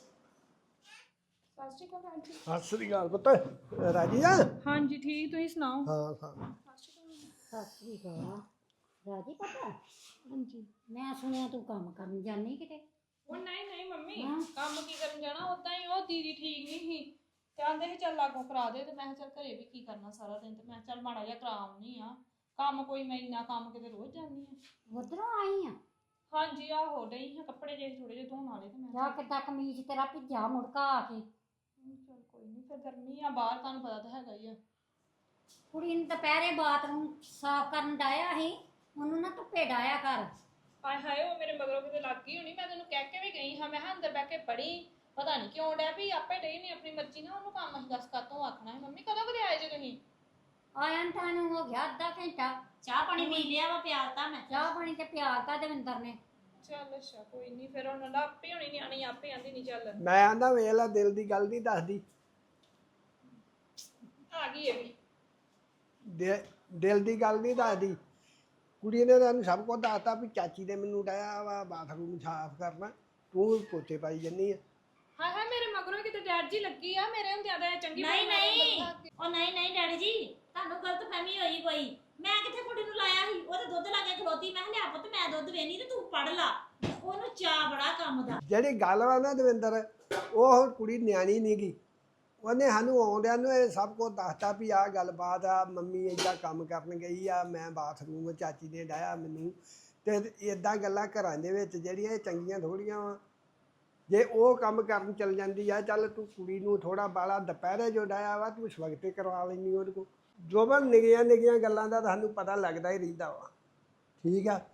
Speaker 5: ਸਤਿ ਸ੍ਰੀ ਅਕਾਲ ਪੁੱਤ। ਰਾਜੀ ਆ?
Speaker 6: ਹਾਂਜੀ ਠੀਕ, ਤੁਸੀਂ ਸੁਣਾਓ?
Speaker 5: ਹਾਂ ਹਾਂ।
Speaker 4: ਸਤਿ ਸ੍ਰੀ ਅਕਾਲ। ਰਾਜੀ ਪਤਾ? ਹਾਂਜੀ। ਮੈਂ ਸੁਣਿਆ ਤੂੰ ਕੰਮ ਕਰਨ ਜਾਨੀ ਕਿਤੇ?
Speaker 2: ਉਹ ਨਹੀਂ ਨਹੀਂ ਮੰਮੀ
Speaker 4: ਹਾਂ।
Speaker 2: ਕੰਮ ਕੀ ਕਰਨ ਜਾਣਾ, ਉਦਾਂ ਹੀ ਉਹ ਦੀਦੀ ਠੀਕ ਨਹੀਂ ਸੀ ਤੇ ਆਂਦੇ ਸੀ ਚੱਲ ਲਾਗੋਂ ਕਰਾ ਦੇ। ਤੇ ਮੈਂ ਕਿਹਾ ਚੱਲ ਘਰੇ ਵੀ ਕੀ ਕਰਨਾ ਸਾਰਾ ਦਿਨ, ਤੇ ਮੈਂ ਕਿਹਾ ਚੱਲ ਮਾੜਾ ਜਿਹਾ ਕਰਾ ਆਉਣੀ ਆ ਕੰਮ। ਕੋਈ ਮੈਂ ਇੰਨਾ ਕੰਮ ਕਿਤੇ ਰੋਜ਼ ਜਾਂਦੀ ਆ।
Speaker 4: ਉਧਰੋਂ ਆਈ ਆ?
Speaker 2: ਹਾਂਜੀ ਆਹੋ ਡਈ ਹਾਂ ਕੱਪੜੇ ਜੇ ਥੋੜੇ ਜਿਹੇ ਧੋਣ ਵਾਲੇ ਤੇ ਮੈਂ
Speaker 4: ਜਾ ਕਿੱਦਾਂ ਕਮੀਜ਼ ਤੇਰਾ ਭਿੱਜਾ ਮੁੜਕਾ ਆ ਕੇ।
Speaker 2: ਚੱਲ ਕੋਈ ਨਹੀਂ, ਫਿਰ ਗਰਮੀ ਆ ਬਾਹਰ, ਤੁਹਾਨੂੰ ਪਤਾ ਤਾਂ ਹੈਗਾ ਹੀ ਆ।
Speaker 4: ਕੁੜੀ ਨੂੰ ਦੁਪਹਿਰੇ ਬਾਥਰੂਮ ਸਾਫ਼ ਕਰਨ ਡਾਇਆ ਸੀ, ਉਹਨੂੰ ਨਾ ਧੁੱਪੇ ਡਾਇਆ ਕਰ।
Speaker 2: ਹਾਏ ਹਾਏ ਉਹ ਮੇਰੇ ਮਗਰੋਂ ਕਿਤੇ ਲੱਗ ਗਈ ਹੋਣੀ। ਮੈਂ ਤੈਨੂੰ ਕਹਿ ਕੇ ਵੀ ਗਈ ਹਾਂ, ਮੈਂ ਕਿਹਾ ਅੰਦਰ ਬਹਿ ਕੇ ਪੜੀ, ਪਤਾ ਨਹੀਂ ਕਿਉਂ ਡਿਆ ਵੀ ਆਪੇ ਡਈ ਨਹੀਂ ਆਪਣੀ ਮਰਜ਼ੀ ਨਾਲ। ਉਹਨੂੰ ਕੰਮ ਅਸੀਂ ਦੱਸ ਕਾਤੋਂ ਆਖਣਾ ਹੈ? ਮੰਮੀ ਕਦੋਂ ਕਦੇ ਆਏ ਜੇ ਤੁਸੀਂ?
Speaker 4: ਆਇਆ ਨੂੰ ਤੁਹਾਨੂੰ ਹੋ ਗਿਆ ਅੱਧਾ ਘੰਟਾ।
Speaker 1: ਚਾਹ ਪਾਣੀ ਪੀ ਲਿਆ ਵਾ, ਪਿਆਲਤਾ ਮੈਂ।
Speaker 4: ਚਾਹ ਪਾਣੀ ਤੇ ਪਿਆਲਤਾ ਦਵਿੰਦਰ ਨੇ।
Speaker 2: ਚੱਲ ਅੱਛਾ ਕੋਈ ਨਹੀਂ, ਫਿਰ ਉਹਨਾਂ ਦਾ ਆਪੇ ਹੋਣੀ ਨਿਆਣੀ ਆਪੇ ਆਂਦੀ ਨਹੀਂ ਚੱਲ
Speaker 5: ਮੈਂ ਆਂਦਾ ਵੇਖ ਲਾ ਦਿਲ ਦੀ ਗੱਲ ਨਹੀਂ ਦੱਸਦੀ।
Speaker 2: ਆ ਗਈ ਇਹ ਵੀ।
Speaker 5: ਦਿਲ ਦੀ ਗੱਲ ਨਹੀਂ ਦੱਸਦੀ। ਕੁੜੀ ਨੇ ਤੁਹਾਨੂੰ ਸਭ ਕੁਝ ਦੱਸਤਾ ਵੀ ਚਾਚੀ ਨੇ ਮੈਨੂੰ ਡਾਇਆ ਵਾ ਬਾਥਰੂਮ ਸਾਫ਼ ਕਰਨਾ, ਤੂੰ ਪੋਚੇ ਪਾਈ ਜੰਨੀ ਆ।
Speaker 6: ਹਾਏ ਹਾਏ ਮੇਰੇ ਮਗਰੋਂ ਕਿਤੇ ਡੈਡ ਜੀ ਲੱਗੀ ਆ, ਮੇਰੇ ਹੁੰਦਿਆਂ ਤਾਂ ਇਹ ਚੰਗੀ
Speaker 3: ਨਹੀਂ ਨਹੀਂ ਉਹ ਨਹੀਂ ਨਹੀਂ ਡੈਡੀ ਜੀ, ਤੁਹਾਨੂੰ ਗਲਤਫਹਿਮੀ ਹੋਈ ਕੋਈ। ਮੈਂ ਕਿੱਥੇ ਕੁੜੀ ਨੂੰ ਲਾਇਆ ਸੀ, ਉਹ ਤੇ ਦੁੱਧ ਲਾ ਕੇ ਖਲੋਤੀ। ਮੈਂ ਕਿਹਾ ਲਿਆ ਪੁੱਤ ਮੈਂ ਦੁੱਧ ਵੇਨੀ ਤੇ ਤੂੰ ਪੜ ਲਾ। ਉਹਨੂੰ ਚਾਅ ਬੜਾ ਕੰਮ ਦਾ।
Speaker 5: ਜਿਹੜੀ ਗੱਲ ਵਾ ਨਾ ਦਵਿੰਦਰ, ਉਹ ਕੁੜੀ ਨਿਆਣੀ ਨਹੀਂ ਗੀ। ਉਹਨੇ ਸਾਨੂੰ ਆਉਂਦਿਆਂ ਨੂੰ ਇਹ ਸਭ ਕੁਝ ਦੱਸਤਾ ਵੀ ਆਹ ਗੱਲਬਾਤ ਆ, ਮੰਮੀ ਏਦਾਂ ਕੰਮ ਕਰਨ ਗਈ ਆ, ਮੈਂ ਬਾਥਰੂਮ ਚਾਚੀ ਨੇ ਡਾਇਆ ਮੈਨੂੰ। ਤੇ ਇਦਾਂ ਗੱਲਾਂ ਘਰਾਂ ਦੇ ਵਿੱਚ ਜਿਹੜੀਆਂ ਇਹ ਚੰਗੀਆਂ ਥੋੜੀਆਂ ਵਾ। ਜੇ ਉਹ ਕੰਮ ਕਰਨ ਚਲ ਜਾਂਦੀ ਆ, ਚੱਲ ਤੂੰ ਕੁੜੀ ਨੂੰ ਥੋੜਾ ਬਾਲਾ ਦੁਪਹਿਰੇ ਜੋ ਡਾਇਆ ਵਾ ਤੂੰ ਸਵਖਤੇ ਕਰਵਾ ਲੈਂਦੀ ਉਹਦੇ ਕੋਲ। ਜੋ ਮੈਂ ਨਿੱਕੀਆਂ ਗੱਲਾਂ ਦਾ ਤੁਹਾਨੂੰ ਪਤਾ ਲੱਗਦਾ ਹੀ ਰਹਿੰਦਾ ਵਾ, ਠੀਕ ਆ।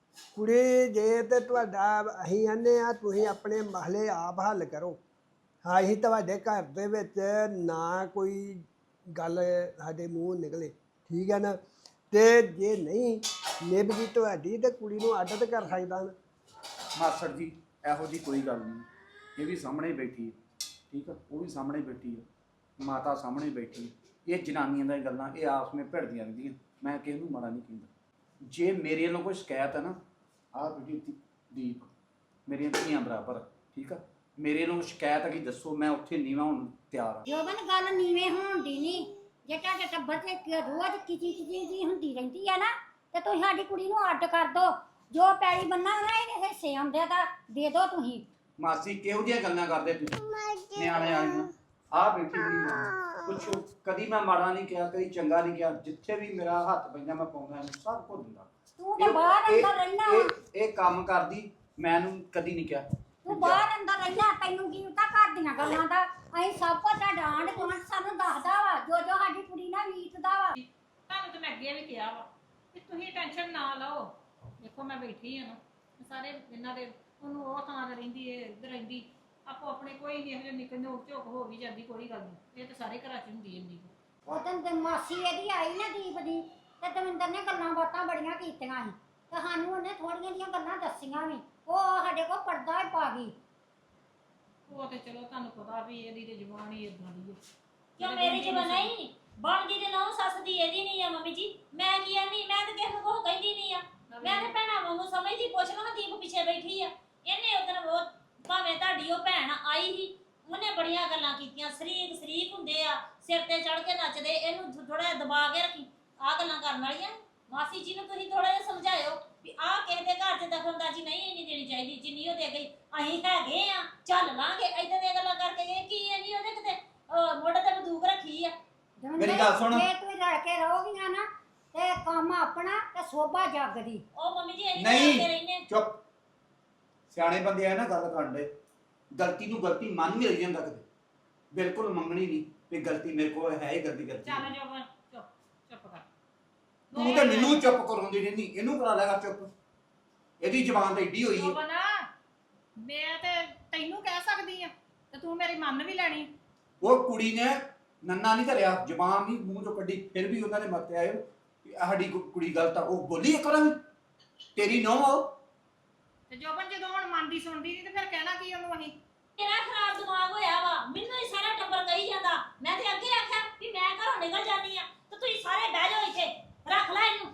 Speaker 5: ਕੁੜੀ ਜੇ ਤੇ ਤੁਹਾਡਾ ਅਸੀਂ ਆਨੇ ਆ ਤੁਸੀਂ ਆਪਣੇ ਮਹਲੇ ਆਪ ਹੱਲ ਕਰੋ। ਹਾਂ ਅਸੀਂ ਤੁਹਾਡੇ ਘਰ ਦੇ ਵਿੱਚ ਨਾ ਕੋਈ ਗੱਲ ਸਾਡੇ ਮੂੰਹ ਨਿਕਲੇ, ਠੀਕ ਹੈ ਨਾ। ਤੇ ਜੇ ਨਹੀਂ ਨਿਭਦੀ ਤੁਹਾਡੀ ਤੇ ਕੁੜੀ ਨੂੰ ਅੱਡ ਤੇ ਕਰ ਸਕਦਾ ਨਾ।
Speaker 7: ਮਾਸੜ ਜੀ ਇਹੋ ਜੀ ਕੋਈ ਗੱਲ ਨਹੀਂ, ਇਹ ਵੀ ਸਾਹਮਣੇ ਬੈਠੀ ਹੈ, ਠੀਕ ਆ, ਉਹ ਵੀ ਸਾਹਮਣੇ ਬੈਠੀ ਹੈ, ਮਾਤਾ ਸਾਹਮਣੇ ਬੈਠੀ ਹੈ। ਇਹ ਜਨਾਨੀਆਂ ਦੀਆਂ ਗੱਲਾਂ ਇਹ ਆਪਸ ਵਿੱਚ ਭਿੜਦੀਆਂ ਰਹਿੰਦੀਆਂ। ਮੈਂ ਕਿਸੇ ਨੂੰ ਮਾੜਾ ਨਹੀਂ ਕਹਿੰਦਾ। ਜੇ ਮੇਰੇ ਵੱਲੋਂ ਕੋਈ ਸ਼ਿਕਾਇਤ ਹੈ ਨਾ, ਆਹ ਬੇਟੀ ਦੀਪ ਮੇਰੀਆਂ ਧੀਆਂ ਬਰਾਬਰ, ਠੀਕ ਆ, ਮੇਰੇ ਨੂੰ ਸ਼ਿਕਾਇਤ ਹੈਗੀ ਦੱਸੋ, ਮੈਂ ਉੱਥੇ ਨੀਵਾਂ ਹੋਣ ਨੂੰ ਤਿਆਰ ਆ।
Speaker 4: ਜੋਬਨ ਗੱਲ ਨੀਵੇਂ ਹੋਣ ਦੀ ਨਹੀਂ। ਜੇ ਤੁਹਾਡੇ ਟੱਬਰ ਤੇ ਰੋਜ਼ ਕਿਚੀ ਜੀ ਹੁੰਦੀ ਰਹਿੰਦੀ ਆ ਨਾ, ਤੇ ਤੁਸੀਂ ਸਾਡੀ ਕੁੜੀ ਨੂੰ ਅੱਡ ਕਰ ਦੋ। ਜੋ ਪੈਲੀ ਬੰਨਾ ਨਾ ਇਹਦੇ ਹਿੱਸੇ ਆਉਂਦੇ ਤਾਂ ਦੇ ਦੋ ਤੁਸੀਂ।
Speaker 7: ਮਾਸੀ ਕਿਹੋ ਜਿਹੀਆਂ ਗੱਲਾਂ ਕਰਦੇ ਤੁਸੀਂ ਨਿਆਣੇ ਵਾਲੀਆਂ? ਆਹ ਬੈਠੀ ਮੇਰੀ ਮਾਂ, ਪੁੱਛੋ ਕਦੀ ਮੈਂ ਮਾੜਾ ਨਹੀਂ ਕਿਹਾ, ਕਦੀ ਚੰਗਾ ਨਹੀਂ ਕਿਹਾ। ਜਿੱਥੇ ਵੀ ਮੇਰਾ ਹੱਥ ਪੈਂਦਾ ਮੈਂ ਪਾਉਂਦਾ ਇਹਨੂੰ, ਸਭ ਕੁਝ ਦਿੰਦਾ।
Speaker 4: ਤੂੰ ਤਾਂ ਬਾਹਰ ਅੰਦਰ ਰਹਿਣਾ।
Speaker 7: ਇਹ ਕੰਮ ਕਰਦੀ ਮੈਨੂੰ ਕਦੀ ਨਹੀਂ ਕਿਹਾ।
Speaker 4: ਤੂੰ ਬਾਹਰ ਅੰਦਰ ਰਹਿਣਾ, ਤੈਨੂੰ ਕੀ ਪਤਾ ਘਰ ਦੀਆਂ ਗੱਲਾਂ ਦਾ। ਅਸੀਂ ਸਭ ਕੁਝ ਤੁਹਾਡਾ ਆਂਢ ਗੁਆਂਢ ਸਾਨੂੰ ਦੱਸਦਾ ਵਾ, ਜੋ ਜੋ ਸਾਡੀ ਕੁੜੀ ਨਾਲ ਬੀਤਦਾ ਵਾ।
Speaker 2: ਤੁਹਾਨੂੰ ਤੇ ਮੈਂ ਅੱਗੇ ਵੀ ਕਿਹਾ ਵਾ ਕਿ ਤੁਸੀਂ ਟੈਨਸ਼ਨ ਨਾ ਲਓ। ਦੇਖੋ ਮੈਂ ਬੈਠੀ ਆ ਨਾ, ਸਾਰੇ ਇਹਨਾਂ ਦੇ ਉਹਨੂੰ ਉਹ ਥਾਂ ਤੇ ਰਹਿੰਦੀ ਏ, ਇੱਧਰ ਰਹਿੰਦੀ, ਆਪੋ ਆਪਣੇ ਕੋਈ ਨਹੀਂ ਇਹੋ ਜਿਹੇ ਨਿੱਕੇ ਨੋਕ ਝੋਕ ਹੋ ਵੀ ਜਾਂਦੀ, ਕੋਈ ਗੱਲ ਨਹੀਂ। ਇਹ ਤਾਂ ਸਾਰੇ ਘਰਾਂ 'ਚ ਹੁੰਦੀ ਇੰਨੀ।
Speaker 4: ਉਦੋਂ ਤੇ ਮਾਸੀ ਇਹਦੀ ਆਈ ਨਾ ਦੀਪ ਦੀ, ਤੇ ਦਵਿੰਦਰ ਨੇ ਗੱਲਾਂ ਬਾਤਾਂ ਬੜੀਆਂ ਕੀਤੀਆਂ ਸੀ, ਤੇ ਸਾਨੂੰ ਉਹਨੇ ਥੋੜੀਆਂ ਜਿਹੀਆਂ ਗੱਲਾਂ ਦੱਸੀਆਂ ਵੀ। ਉਹ ਸਾਡੇ ਕੋਲ ਪਰਦਾ ਹੀ ਪਾ ਗਈ।
Speaker 2: ਉਹ ਤੇ ਚਲੋ ਤੁਹਾਨੂੰ ਪਤਾ ਵੀ ਇਹਦੀ ਤੇ ਜ਼ੁਬਾਨ ਹੀ ਇਦਾਂ ਦੀ ਹੈ।
Speaker 3: ਕਿਉਂ ਮੇਰੀ ਜ਼ਬਾਨ ਨਹੀਂ ਬਣਦੀ ਤੇ ਨਹੁੰ ਸੱਸ ਦੀ ਇਹਦੀ ਨਹੀਂ ਆ ਮੰਮੀ ਜੀ। ਮੈਂ ਕੀ ਆਨੀ, ਮੈਂ ਤਾਂ ਕਿਸੇ ਨੂੰ ਕੁਛ ਕਹਿੰਦੀ ਨਹੀਂ ਆ। ਮੈਂ ਤੇ ਭੈਣਾਂ ਵਾਂਗੂ ਸਮਝਦੀ। ਪੁੱਛ ਲਓ ਦੀਪ ਪਿੱਛੇ ਬੈਠੀ ਆ, ਇਹਨੇ ਉਦੋਂ ਉਹ ਭਾਵੇਂ ਤੁਹਾਡੀ ਉਹ ਭੈਣ ਆਈ ਸੀ, ਉਹਨੇ ਬੜੀਆਂ ਗੱਲਾਂ ਕੀਤੀਆਂ। ਸ਼ਰੀਕ ਹੁੰਦੇ ਆ, ਸਿਰ ਤੇ ਚੜ ਕੇ ਨੱਚਦੇ, ਇਹਨੂੰ ਥੋੜਾ ਜਿਹਾ ਦਬਾ ਕੇ ਰੱਖੀ। ਆਹ ਗੱਲਾਂ ਕਰਨ ਵਾਲੀਆਂ। ਮਾਸੀ ਜੀ ਨੂੰ ਤੁਸੀਂ ਥੋੜਾ ਜਿਹਾ ਸਮਝਾਇਓ ਵੀ ਆਹ ਕਿਸੇ ਦੇ ਘਰ 'ਚ ਦਖਲਅੰਦਾਜ਼ੀ ਨਹੀਂ ਇੰਨੀ ਦੇਣੀ ਚਾਹੀਦੀ ਜਿੰਨੀ ਉਹ ਦੇ ਗਈ। ਅਸੀਂ ਹੈਗੇ ਆ, ਚੱਲ ਲਾਂਗੇ। ਏਦਾਂ ਦੀਆਂ ਗੱਲਾਂ ਕਰਕੇ ਗਏ ਕੀ ਇੰਨੀ ਉਹਦੇ ਕਿਤੇ ਮੋਢੇ ਤੇ ਬੰਦੂਕ ਰੱਖੀ ਆ।
Speaker 7: ਮੇਰੀ ਗੱਲ ਸੁਣ।
Speaker 4: ਜੇ ਤੁਸੀਂ ਰਲ ਕੇ ਰਹੋਗੀਆਂ ਨਾ, ਤੇ ਕੰਮ ਆਪਣਾ ਤੇ ਸੋਭਾ ਜੱਗ ਦੀ।
Speaker 3: ਉਹ ਮੰਮੀ ਜੀ ਅਸੀਂ
Speaker 7: ਨਹੀਂ।
Speaker 3: ਕਰਦੇ ਰਹਿੰਦੇ।
Speaker 7: ਚੁੱਪ, ਸਿਆਣੇ ਬੰਦੇ ਆ ਨਾ ਗੱਲ ਕਰਨ ਦੇ। ਗਲਤੀ ਨੂੰ ਗਲਤੀ ਮੰਨ ਮਿਲ ਜਾਂਦਾ ਕਦੇ, ਬਿਲਕੁਲ ਮੰਗਣੀ ਨਹੀਂ ਵੀ ਗਲਤੀ ਮੇਰੇ ਕੋਲ ਹੈ ਹੀ ਗਲਤੀ
Speaker 2: ਚੱਲ ਜੋਬਨ ਚੁੱਪ ਕਰ।
Speaker 7: ਤੂੰ ਤੇ ਮੈਨੂੰ ਚੁੱਪ ਕਰਾਉਂਦੀ ਰਹਿੰਦੀ, ਇਹਨੂੰ ਕਰਾ ਲੈਗਾ ਚੁੱਪ। ਇਹਦੀ ਜ਼ਬਾਨ ਤਾਂ ਏਡੀ ਹੋਈ ਹੈ।
Speaker 2: ਜੋਬਨ ਮੈਂ ਤੇ ਤੈਨੂੰ ਕਹਿ ਸਕਦੀ ਆ ਤੇ ਤੂੰ ਮੇਰੀ ਮੰਨ ਵੀ ਲੈਣੀ।
Speaker 7: ਉਹ ਕੁੜੀ ਨੇ ਨੰਨਾ ਨਹੀਂ ਧਰਿਆ, ਜ਼ਬਾਨ ਨਹੀਂ ਮੂੰਹ ਚੋਂ ਕੱਢੀ, ਫਿਰ ਵੀ ਉਹਨਾਂ ਦੇ ਮੱਤੇ ਆਏ ਵੀ ਸਾਡੀ ਕੁੜੀ ਗਲਤ ਆ। ਉਹ ਬੋਲੀ ਇੱਕ ਵਾਰ ਵੀ ਤੇਰੀ ਨਹੁੰ ਆ ਉਹ।
Speaker 2: ਤੇ ਜੋਬਨ ਜਦੋਂ ਹੁਣ ਮੰਨਦੀ ਸੁਣਦੀ ਨਹੀਂ ਤੇ ਫਿਰ ਕਹਿਣਾ ਕੀ ਉਹਨੂੰ ਅਸੀਂ?
Speaker 3: ਮੇਰਾ ਖਰਾਬ ਦਿਮਾਗ ਹੋਇਆ ਵਾ, ਮੈਨੂੰ ਹੀ ਸਾਰਾ ਟੱਬਰ ਕਹੀ ਜਾਂਦਾ। ਮੈਂ ਤੇ ਅੱਗੇ ਆਖਿਆ ਵੀ ਮੈਂ ਘਰੋਂ ਨਿਕਲ ਜਾਂਦੀ ਆ, ਤੇ ਤੁਸੀਂ ਸਾਰੇ ਬਹਿ ਜਾਓ ਇੱਥੇ, ਰੱਖ ਲੈ ਇਹਨੂੰ।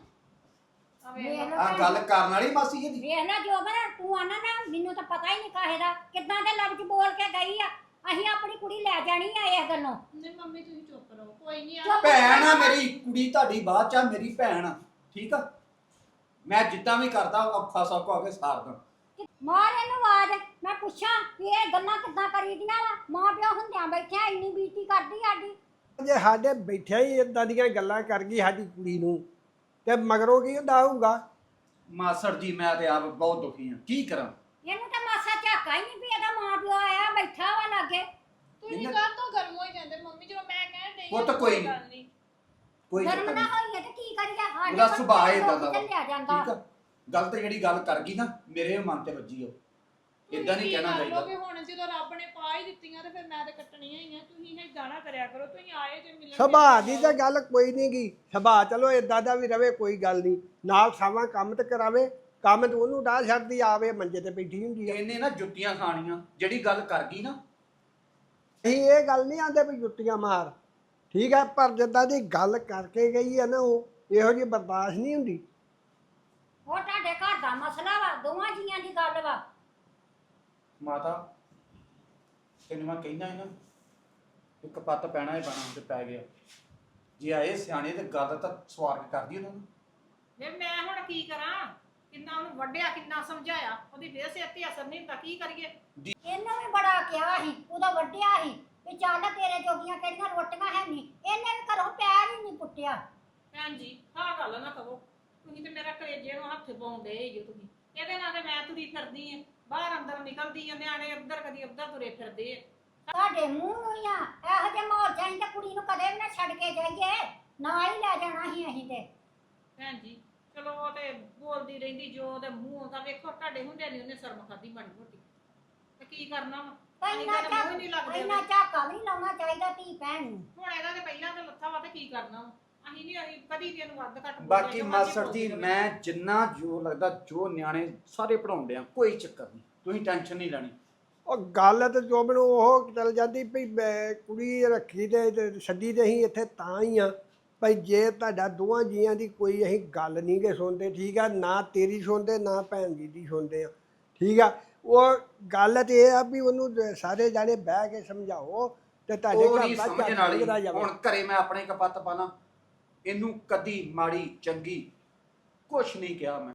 Speaker 7: ਆ ਗੱਲ ਕਰਨ ਵਾਲੀ ਮਾਸੀ ਇਹਦੀ।
Speaker 4: ਵੇਖ ਨਾ ਜੋਬਨ, ਤੂੰ ਆਣਾ ਨਾ ਮੈਨੂੰ ਤਾਂ ਪਤਾ ਹੀ ਨਹੀਂ ਕਾਹੇ ਦਾ, ਕਿੱਦਾਂ ਦੇ ਲਫ਼ਜ਼ ਬੋਲ ਕੇ ਗਈ ਆ। ਅਸੀਂ ਆਪਣੀ ਕੁੜੀ ਲੈ ਜਾਣੀ ਆ ਇਸ ਗੱਲੋਂ।
Speaker 2: ਨਹੀਂ ਮੰਮੀ ਤੁਸੀਂ ਚੁੱਪ ਰਹੋ, ਕੋਈ ਨਹੀਂ ਆ।
Speaker 4: ਚੁੱਪ
Speaker 7: ਭੈਣ ਆ ਮੇਰੀ ਕੁੜੀ, ਤੁਹਾਡੀ ਬਾਤ ਚ ਆ, ਮੇਰੀ ਭੈਣ ਆ, ਠੀਕ ਆ। ਮੈਂ ਜਿੱਦਾਂ ਵੀ ਕਰਦਾ ਔਖਾ ਸੌਖਾ ਹੋ ਕੇ ਸਾਰਦਾ।
Speaker 4: ਮਾਰ ਇਹਨੂੰ ਆਵਾਜ਼, ਮੈਂ ਪੁੱਛਾਂ ਵੀ ਇਹ ਗੱਲਾਂ ਕਿੱਦਾਂ ਕਰੀਦੀਆਂ ਵਾ। ਮਾਂ ਪਿਓ ਹੁੰਦਿਆਂ ਬੈਠਿਆ ਇੰਨੀ ਬੀਤੀ ਕਰਦੀ ਸਾਡੀ।
Speaker 5: ਜੇ ਸਾਡੇ ਬੈਠਿਆ ਹੀ ਇਦਾਂ ਦੀਆਂ ਗੱਲਾਂ ਕਰ ਗਈ ਸਾਡੀ ਕੁੜੀ ਨੂੰ, ਤੇ ਮਗਰੋਂ ਕੀ ਹੁੰਦਾ ਹੋਊਗਾ?
Speaker 7: ਮਾਸੜ ਜੀ ਮੈਂ ਤੇ ਆਪ ਬਹੁਤ ਦੁਖੀ ਹਾਂ, ਕੀ ਕਰਾਂ।
Speaker 4: ਇਹਨੂੰ ਤਾਂ ਮਾਸਾ ਝਾਕਾ ਹੀ ਨਹੀਂ ਵੀ ਇਹਦਾ ਮਾਂ ਪਿਓ ਆਇਆ ਬੈਠਾ ਵਾ ਲਾਗੇ।
Speaker 6: ਤੁਸੀਂ ਕਾਹ ਤੋਂ ਗਰਮ ਹੋਈ ਜਾਂਦੇ ਮੰਮੀ, ਜਦੋਂ ਮੈਂ ਕਹਿਣ ਡਈ
Speaker 7: ਉਹ ਤਾਂ ਕੋਈ
Speaker 6: ਗੱਲ ਨਹੀਂ।
Speaker 7: ਕੋਈ
Speaker 4: ਗਰਮ
Speaker 7: ਚੱਕਰ
Speaker 4: ਨਾ
Speaker 7: ਨਹੀਂ,
Speaker 4: ਹੋਈਏ ਤੇ ਕੀ ਕਰੀਏ, ਸਾਡੇ
Speaker 7: ਉਹਦਾ
Speaker 4: ਕੋਲ
Speaker 7: ਸੁਭਾਅ ਏਦਾਂ ਦਾ ਵਾ,
Speaker 4: ਚੱਲਿਆ ਜਾਂਦਾ।
Speaker 7: ਠੀਕ ਆ। ਗਲਤ ਜਿਹੜੀ ਗੱਲ ਕਰ ਗਈ ਨਾ ਮੇਰੇ ਮਨ ਤੇ ਵੱਜੀ ਉਹ। ਇਦਾਂ ਨਹੀਂ ਕਹਿਣਾ ਚਾਹੀਦਾ।
Speaker 6: ਕਿ ਹੁਣ ਜਦੋਂ ਰੱਬ ਨੇ ਪਾ ਹੀ ਦਿੱਤੀਆਂ ਤੇ ਫਿਰ ਮੈਂ ਤੇ ਕੱਟਣੀਆਂ ਹੀ ਆ। ਤੁਸੀਂ ਇਹ ਗਾਣਾ ਕਰਿਆ ਕਰੋ, ਤੁਸੀਂ ਆਏ ਤੇ ਮਿਲਣ।
Speaker 5: ਸੁਭਾਅ ਦੀ ਤਾਂ ਗੱਲ ਕੋਈ ਨਹੀਂ ਗੀ। ਸੁਭਾਅ ਚਲੋ ਇਦਾਂ ਦਾ ਵੀ ਰਵੇ, ਕੋਈ ਗੱਲ ਨਹੀਂ। ਨਾਲ ਸਾਵਾਂ ਕੰਮ ਤੇ ਕਰਾਵੇ, ਕੰਮ ਤੇ ਉਹਨੂੰ ਡਾਹ ਛੱਡਦੀ, ਆਵੇ ਮੰਜੇ ਤੇ ਬੈਠੀ ਹੁੰਦੀ ਆ।
Speaker 7: ਇਹਨੇ ਨਾ ਜੁੱਤੀਆਂ ਖਾਣੀਆਂ, ਜਿਹੜੀ ਗੱਲ ਕਰ ਗਈ ਨਾ।
Speaker 5: ਅਸੀਂ ਇਹ ਗੱਲ ਨਹੀਂ ਆਂਦੇ ਵੀ ਜੁੱਤੀਆਂ ਮਾਰ, ਠੀਕ ਹੈ, ਪਰ ਜਿੱਦਾਂ ਦੀ ਗੱਲ ਕਰਕੇ ਗਈ ਹੈ ਨਾ, ਉਹ ਇਹੋ ਜਿਹੀ ਬਰਦਾਸ਼ਤ ਨਹੀਂ ਹੁੰਦੀ।
Speaker 4: ਉਹ ਤੁਹਾਡੇ ਘਰ ਦਾ ਮਸਲਾ ਵਾ, ਦੋਵਾਂ ਜੀਆਂ ਦੀ ਗੱਲ ਵਾ।
Speaker 7: ਮਾਤਾ ਤੈਨੂੰ ਮੈਂ ਕਹਿੰਦਾ ਸੀ ਨਾ, ਇੱਕ ਪੱਤ ਪੈਣਾ ਹੀ ਪੈਣਾ ਤੇ ਪੈ ਗਿਆ। ਜੇ ਆਏ ਸਿਆਣੇ ਤੇ ਗੱਲ ਤਾਂ ਸਵਾਰ ਕੇ ਕਰਦੀ ਉਹਨਾਂ ਨੂੰ।
Speaker 2: ਵੇ ਮੈਂ ਹੁਣ ਕੀ ਕਰਾਂ? ਕਿੰਨਾ ਉਹਨੂੰ ਵੱਢਿਆ, ਕਿੰਨਾ ਸਮਝਾਇਆ, ਉਹਦੀ ਬੇਸਿਆ ਤੇ ਅਸਰ ਨਹੀਂ ਹੁੰਦਾ, ਕੀ ਕਰੀਏ?
Speaker 4: ਇਹਨੇ ਵੀ ਬੜਾ ਕਿਹਾ ਸੀ, ਉਹਦਾ ਵੱਢਿਆ ਸੀ ਵੀ ਚੱਲ ਤੇਰੇ ਜੋਗੀਆਂ ਕਿਹੜੀਆਂ ਰੋਟੀਆਂ ਹੈ ਨਹੀਂ। ਇਹਨੇ ਵੀ ਘਰੋਂ ਪੈਰ ਹੀ ਨਹੀਂ ਪੁੱਟਿਆ।
Speaker 2: ਭੈਣ ਜੀ ਆਹ ਗੱਲ ਨਾ ਕਹੋ, ਤੁਸੀਂ ਤੇ ਮੇਰਾ ਕਲੇਜੇ ਨੂੰ ਹੱਥ ਪਾਉਂਦੇ ਹੀ ਹੋ ਤੁਸੀਂ। ਇਹਦੇ ਨਾਲ ਤੇ ਮੈਂ ਤੁਰੀ ਫਿਰਦੀ ਆ, ਬਾਹਰ ਅੰਦਰ ਨਿਕਲਦੀ ਆ, ਨਿਆਣੇ ਉੱਧਰ ਕਦੀ ਉੱਧਰ ਤੁਰੇ ਫਿਰਦੇ ਆ।
Speaker 4: ਤੁਹਾਡੇ ਮੂੰਹ ਨੂੰ ਹੀ ਆ, ਇਹੋ ਜਿਹੇ ਮਾਹੌਲ ਚਾਹੀਂ ਤਾਂ ਕੁੜੀ ਨੂੰ ਕਦੇ ਵੀ ਨਾ ਛੱਡ ਕੇ ਜਾਈਏ, ਨਾਲ ਹੀ ਲੈ ਜਾਣਾ ਸੀ ਅਸੀਂ ਤੇ।
Speaker 2: ਭੈਣ ਜੀ ਚਲੋ ਉਹ ਤੇ ਬੋਲਦੀ ਰਹਿੰਦੀ, ਜੋ ਉਹਦੇ ਮੂੰਹ ਦਾ ਵੇਖੋ, ਤੁਹਾਡੇ ਹੁੰਦੇ ਨਹੀਂ ਉਹਨੇ ਸ਼ਰਮ ਖਾਦੀ ਮਾੜੀ ਮੋਟੀ, ਤੇ ਕੀ ਕਰਨਾ ਵਾ?
Speaker 4: ਇੰਨਾ ਇੰਨਾ ਝਾਕਾ ਵੀ ਨਹੀਂ ਲਾਉਣਾ ਚਾਹੀਦਾ ਧੀ ਭੈਣ ਨੂੰ।
Speaker 2: ਹੁਣ ਇਹਦਾ ਤੇ ਪਹਿਲਾਂ ਤੇ ਲੱਥਾ ਵਾ, ਤੇ ਕੀ ਕਰਨਾ ਵਾ? ਅਸੀਂ ਨਹੀਂ, ਅਸੀਂ ਕਦੀ ਵੀ ਇਹਨੂੰ ਵੱਧ ਘੱਟ ਬੋਲਿਆ,
Speaker 7: ਬਾਕੀ
Speaker 2: ਜੋ ਮਰਜ਼ੀ
Speaker 7: ਮਾਸਟਰ
Speaker 2: ਬੋਲਦੀ
Speaker 7: ਜੀ
Speaker 2: ਰਹੇ।
Speaker 7: ਮੈਂ ਜਿੰਨਾ ਜੋ ਲੱਗਦਾ, ਜੋ ਨਿਆਣੇ ਸਾਰੇ ਪੜਾਉਂਦੇ ਆ, ਕੋਈ ਚੱਕਰ ਨਹੀਂ, ਤੁਸੀਂ ਟੈਨਸ਼ਨ ਨਹੀਂ ਲੈਣੀ।
Speaker 5: ਉਹ ਗੱਲ ਤੇ ਜੋ ਮੈਨੂੰ ਉਹ ਚੱਲ ਜਾਂਦੀ ਵੀ ਮੈਂ ਕੁੜੀ ਰੱਖੀ ਤੇ ਛੱਡੀ ਤੇ ਅਸੀਂ ਇੱਥੇ ਤਾਂ ਹੀ ਆ ਭਾਈ, ਜੇ ਤੁਹਾਡਾ ਦੋਵਾਂ ਜੀਆਂ ਦੀ ਕੋਈ ਅਸੀਂ ਗੱਲ ਨਹੀਂ ਗੇ ਸੁਣਦੇ, ਠੀਕ ਆ, ਨਾ ਤੇਰੀ ਸੁਣਦੇ ਨਾ ਭੈਣ ਜੀ ਦੀ ਸੁਣਦੇ ਆ, ਠੀਕ ਆ। ਉਹ ਗੱਲ ਤੇ ਇਹ ਆ ਵੀ ਉਹਨੂੰ ਸਾਰੇ ਜਾਣੇ ਬਹਿ ਕੇ ਸਮਝਾਓ ਤੇ ਤੁਹਾਡੇ
Speaker 7: ਉਹ
Speaker 5: ਘਰ
Speaker 7: ਨਹੀਂ
Speaker 5: ਦਾ
Speaker 7: ਸਮਝਣ
Speaker 5: ਝੱਟ
Speaker 7: ਵਾਲੀ।
Speaker 5: ਨਿਕਲਦਾ ਜਾਵੇ।
Speaker 7: ਹੁਣ ਘਰੇ ਮੈਂ ਆਪਣੇ ਕਪੱਤ ਪਾਣਾ, ਇਹਨੂੰ ਕਦੀ ਮਾੜੀ ਚੰਗੀ ਕੁਛ ਨਹੀਂ ਕਿਹਾ ਮੈਂ।